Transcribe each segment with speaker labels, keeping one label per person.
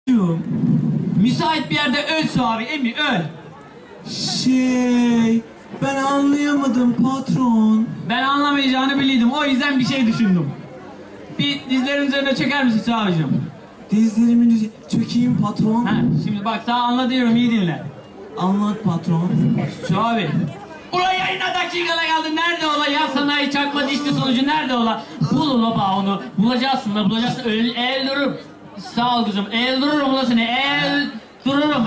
Speaker 1: Müsait bir yerde öl Suavi, Emi öl.
Speaker 2: Ben anlayamadım patron.
Speaker 1: Ben anlamayacağını biliyordum, o yüzden bir şey düşündüm. Bir dizlerin üzerine çöker misin Suavi'cim?
Speaker 2: Dizlerimin çökeyim patron.
Speaker 1: Ha, şimdi bak sana anlatıyorum, iyi dinle.
Speaker 2: Anlat patron.
Speaker 1: Suavi. Ulan yayına dakikalar kaldı, nerede ola ya sanayi çarpma dişli sonucu nerede ola? Bul ula bak onu, bulacaksın da bulacaksın, el dururum. Sağ ol kızım, el dururum ula seni, el dururum.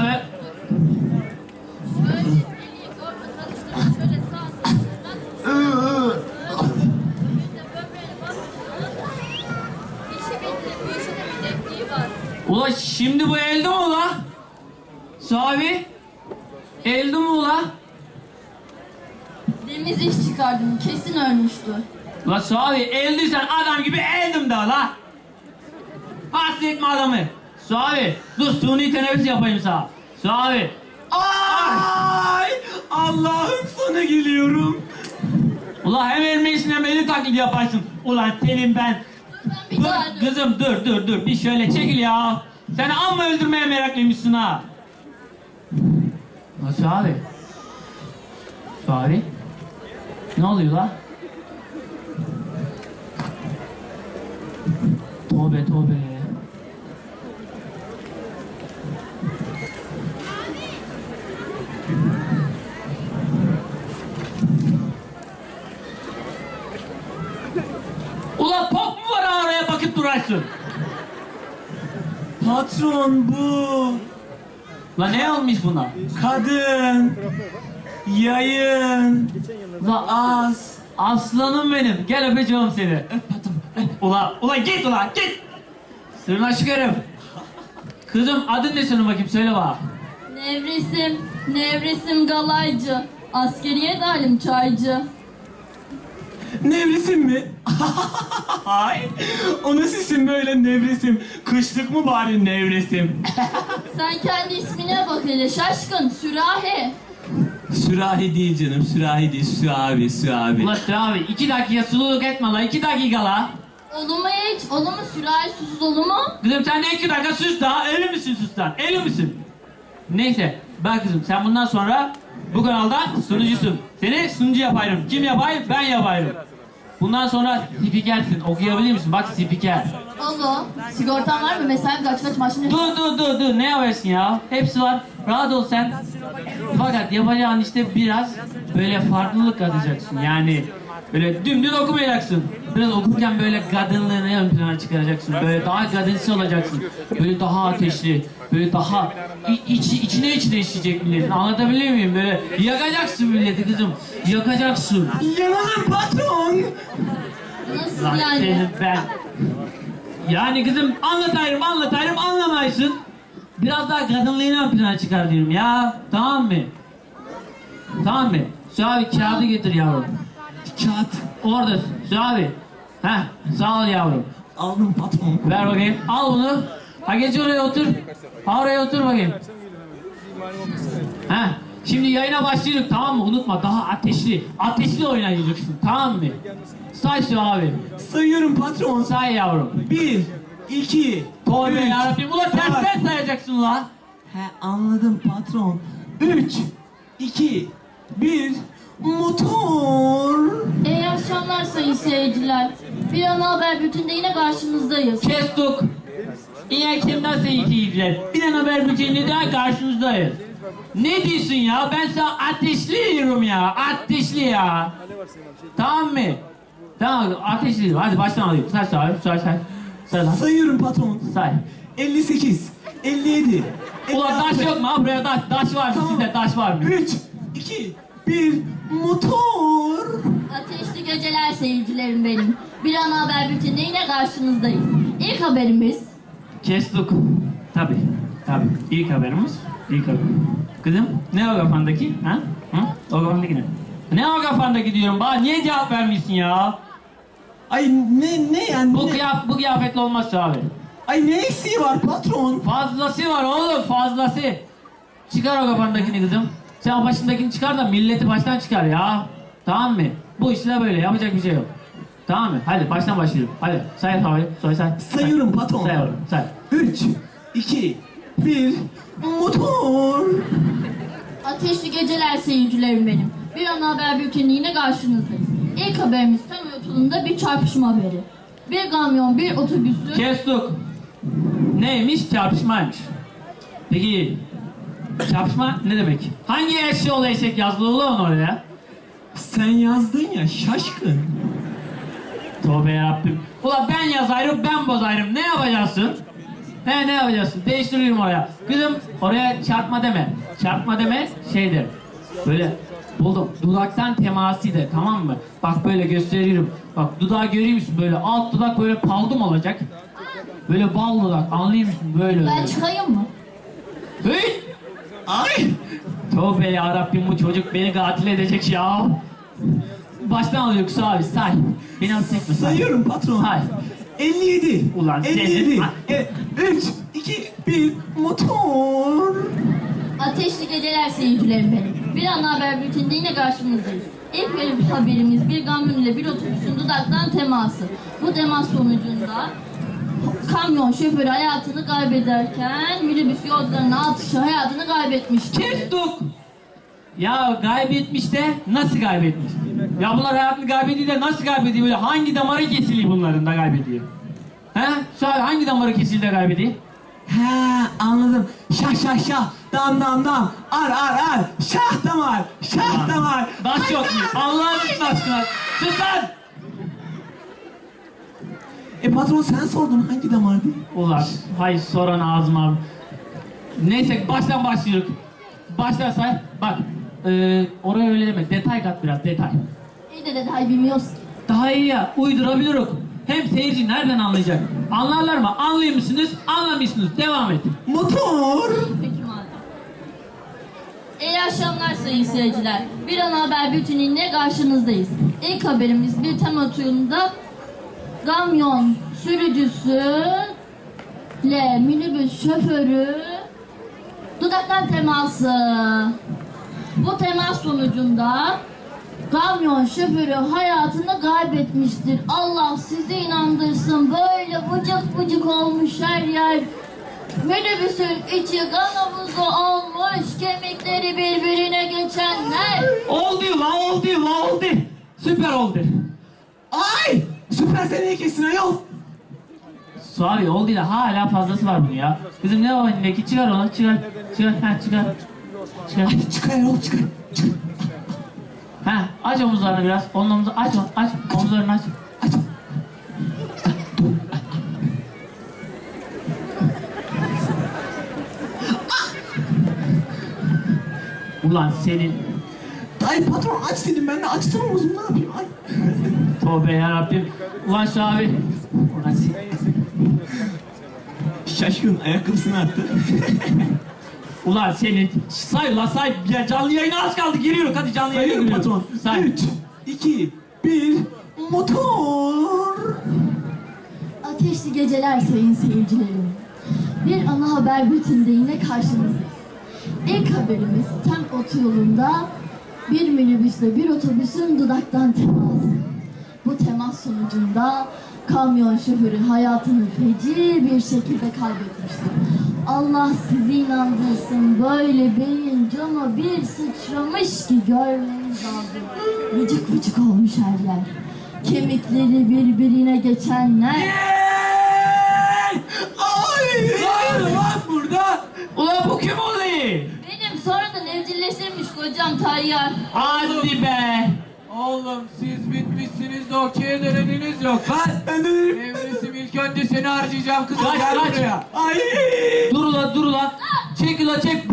Speaker 1: Ula şimdi bu elde mi ula? Suavi? Elde mi ula?
Speaker 3: Temiz iş çıkardım. Kesin ölmüştü.
Speaker 1: La Suavi eldiysen adam gibi eldim da la. Hasta etme adamı. Suavi dur suni teneffüs yapayım sana. Suavi.
Speaker 2: Ay! Allah'ım sana geliyorum.
Speaker 1: Ula hem elmeyisin hem eli taklidi yaparsın. Ulan senin ben.
Speaker 3: Bir daha
Speaker 1: Dur kızım dur bir şöyle çekil ya. Sen amma öldürmeye meraklıymışsın ha. La Suavi. Suavi. Ne oluyor la? Tövbe. Ulan pop mu var oraya bakıp durarsın?
Speaker 2: Patron bu.
Speaker 1: La ne olmuş buna?
Speaker 2: Kadın. Yayın.
Speaker 1: La
Speaker 2: Az.
Speaker 1: aslanım benim. Gel öpeceğim seni.
Speaker 2: Öp patron.
Speaker 1: Ula git ula git. Sırnaşık herif. Kızım adın ne senin bakayım söyle bana.
Speaker 3: Nevresim Galaycı. Askeriye dalim çaycı.
Speaker 2: Nevresim mi? Ay, o nasıl isim böyle nevresim? Kışlık mı bari nevresim?
Speaker 3: Sen kendi ismine bak hele şaşkın. Sürahi.
Speaker 2: Sürahi değil canım, sürahi değil. Süavi.
Speaker 1: Ula abi 2 dakika sululuk etme la 2 dakika la.
Speaker 3: Olur mu hiç? Olur mu sürahi susuz olur mu?
Speaker 1: Kızım sen de 2 dakika sus daha eli misin sus lan eli misin? Neyse bak kızım sen bundan sonra bu kanalda sunucusun. Seni sunucu yaparım. Kim yapayım? Ben yaparım. Bundan sonra spikersin. Okuyabilir misin? Bak spiker.
Speaker 3: Olur. Sigortan var mı? Mesai kaç maaşın?
Speaker 1: Dur ne yaparsın ya? Hepsi var. Rahat ol sen. Fakat yapacağın işte biraz böyle farklılık katacaksın. Yani böyle dümdüz okumayacaksın. Biraz okurken böyle kadınlığını ön plana çıkaracaksın. Böyle daha kadınsı olacaksın. Böyle daha ateşli. Böyle daha içine işleyecek milletin. Anlatabiliyor muyum? Böyle yakacaksın milleti kızım. Yakacaksın.
Speaker 2: Yanalım patron.
Speaker 3: Nasıl
Speaker 1: Lan
Speaker 3: yani?
Speaker 1: senin ben. Yani kızım anlatayım anlamaysın. Biraz daha kadınlığını ön plana çıkar diyorum ya. Tamam mı? Suavi kağıdı getir yavrum.
Speaker 2: Kağıt.
Speaker 1: Orada Suavi. Heh sağ ol yavrum.
Speaker 2: Aldım patron.
Speaker 1: Ver bakayım. Al bunu. Ha geç oraya otur. Ha oraya otur bakayım. Heh. Şimdi yayına başlıyoruz tamam mı? Unutma daha ateşli oynayacaksın tamam mı? Say Suavi.
Speaker 2: Sayıyorum patron.
Speaker 1: Say yavrum.
Speaker 2: 1, 2,
Speaker 1: Tövbe
Speaker 2: 3.
Speaker 1: yarabbim. Ulan tersten sayacaksın lan.
Speaker 2: Anladım patron. 3, 2, 1, motor.
Speaker 3: İyi akşamlar sayın seyirciler. Bir ana haber bütünde yine karşınızdayız.
Speaker 1: Kestuk. İyi kimden seyirciler. Bir an haber bülteninde daha karşınızdayız. Ne diyorsun ya? Ben sana ateşli diyorum ya. Ateşli ya. Tamam mı? Tamam ateşli diyorum. Hadi baştan alayım. Say lan.
Speaker 2: Sayıyorum patron.
Speaker 1: Say.
Speaker 2: 58, 57.
Speaker 1: Ulan taş yok mu? Ha buraya taş var mı?
Speaker 2: Tamam.
Speaker 1: Sizde taş var mı?
Speaker 2: 3, 2, 1, motor.
Speaker 3: Ateşli geceler seyircilerim benim. Bir ana haber bütünde yine karşınızdayız. İlk haberimiz
Speaker 1: Kestuk. Tabii. İlk haberimiz. Kızım ne o kafandaki? Ha? O kafandaki ne? Ne o kafandaki diyorum. Bana niye cevap vermiyorsun ya?
Speaker 2: Ay ne yani?
Speaker 1: Bu kıyafetle olmaz abi.
Speaker 2: Ay ne eksiği var patron?
Speaker 1: Fazlası var oğlum fazlası. Çıkar o kafandakini kızım. Sen o başındakini çıkar da milleti baştan çıkar ya. Tamam mı? Bu işte böyle yapacak bir şey yok. Tamam mı? Hadi baştan başlıyorum. Hadi say havayı. Say.
Speaker 2: Sayıyorum patron.
Speaker 1: Say oğlum say.
Speaker 2: 3, 2, bir, motor.
Speaker 3: Ateşli geceler seyircilerim benim. Bir ana haber bülteniyle karşınızdayız. İlk haberimiz tam yolunda bir çarpışma haberi. Bir kamyon, bir otobüsü...
Speaker 1: Kestik. Neymiş? Çarpışmaymış. Peki çarpışma ne demek? Hangi eşyol eşek yazılı ulan oraya?
Speaker 2: Sen yazdın ya şaşkın.
Speaker 1: Tövbe yarabbim. Ulan ben yazarım, ben bozarım. Ne yapacaksın? Ne yapacaksın? Değiştiririm oraya. Kızım oraya çarpma deme. Çarpma deme şeydir. Böyle buldum. Dudaktan teması de, tamam mı? Bak böyle gösteriyorum. Bak dudağı görüyor musun? Böyle alt dudak böyle paldum olacak. Böyle bal dudak, anlıyor musun? Böyle.
Speaker 3: Ben çıkayım mı?
Speaker 1: Hey!
Speaker 2: Ay!
Speaker 1: Tövbe yarabbim, bu çocuk beni katil edecek ya. Baştan alıyor Kısa abi, say. Beni hapse etme, say.
Speaker 2: Sayıyorum patron.
Speaker 1: Say.
Speaker 2: 57.
Speaker 1: Ulan
Speaker 2: 57.
Speaker 1: senin-
Speaker 2: 3, 2, 1, motor.
Speaker 3: Ateşli geceler seyircilerim benim. Bir ana haber bülteninde yine karşınızdayız. İlk haberimiz bir kamyon ile bir otobüsün dudaktan teması. Bu temas sonucunda kamyon şoförü hayatını kaybederken minibüs yolcularının atışı hayatını kaybetmiştir.
Speaker 1: Kestuk. Ya kaybetmiş de nasıl kaybetmiş? Ya bunlar hayatını kaybediyor de nasıl kaybediyor? Böyle hangi damarı kesiliyor bunların da kaybediyor? He? Söyle, hangi damarı kesildi de kaybediyor?
Speaker 2: He anladım. Şah şah şah. Dam dam dam. Ar ar ar. Şah damar. Şah damar.
Speaker 1: Nasıl yok iyi? Allah'ın aşkına. Sus lan!
Speaker 2: Patron sen sordun hangi damardı?
Speaker 1: Ulan hay soran ağzıma. Neyse baştan başlıyoruz. Baştan say. Bak oraya öyle deme. Detay kat biraz, detay.
Speaker 3: İyi de detay bilmiyoruz ki.
Speaker 1: Daha iyi ya, uydurabiliriz. Hem seyirci nereden anlayacak? Anlarlar mı? Anlıyor musunuz? Anlamıyorsunuz. Devam et.
Speaker 2: Motor.
Speaker 3: Peki madem. İyi akşamlar sayın seyirciler. Bir ana haber bülteniyle karşınızdayız. İlk haberimiz bir tema tuyunda kamyon sürücüsü ile minibüs şoförü dudaktan teması. Bu temas sonucunda kamyon şoförü hayatını kaybetmiştir. Allah sizi inandırsın. Böyle vıcık vıcık olmuş her yer. Minibüsün içi kan havuzu olmuş. Kemikleri birbirine geçenler.
Speaker 1: Oldu la oldu. Süper oldu.
Speaker 2: Ay! Süper seneye kesin ayol.
Speaker 1: Suavi oldu da hala fazlası var bunun ya. Kızım ne o elindeki? Çıkar onu, çıkar. Çıkar.
Speaker 2: Ay çıkar ayol çıkar. Çıkar.
Speaker 1: Ha, aç omuzlarını biraz. Onun omuzu aç, omuzlarını aç.
Speaker 2: Aç.
Speaker 1: Ulan senin
Speaker 2: Ay patron aç dedim ben de açtım omuzumu ne yapayım ay.
Speaker 1: tövbe yarabbim. Ulan şu abi. Ulan
Speaker 2: Şaşkın ayakkabısını attı.
Speaker 1: Ulan senin say ya, canlı yayına az kaldı, giriyoruz hadi canlı yayına
Speaker 2: Sayıyorum
Speaker 1: giriyoruz.
Speaker 2: patron.
Speaker 1: Say.
Speaker 2: 3, 2, 1, motor.
Speaker 3: Ateşli geceler sayın seyircilerim. Bir ana haber bülteninde yine karşınızdayız. İlk haberimiz tem otoyolunda bir minibüsle bir otobüsün dudaktan teması. Bu temas sonucunda kamyon şoförü hayatını feci bir şekilde kaybetmiştir. Allah sizi inandırsın, böyle beyin cama bir sıçramış ki görmeniz lazım. Vıcık vıcık olmuş her yer. Kemikleri birbirine geçenler.
Speaker 2: Ay!
Speaker 1: Lan burada. Ulan bu kim oluyor?
Speaker 3: Benim sonradan evcilleştirmiş kocam Tayyar.
Speaker 1: Hadi be.
Speaker 4: Oğlum siz bitmişsiniz de okey'e döneniniz yok lan.
Speaker 2: Ben de
Speaker 4: Nevresim ilk önce seni harcayacağım kızım
Speaker 1: Kaç,
Speaker 4: gel
Speaker 1: kaç.
Speaker 4: buraya.
Speaker 2: ay!
Speaker 1: Dur ulan. Çek ulan çek.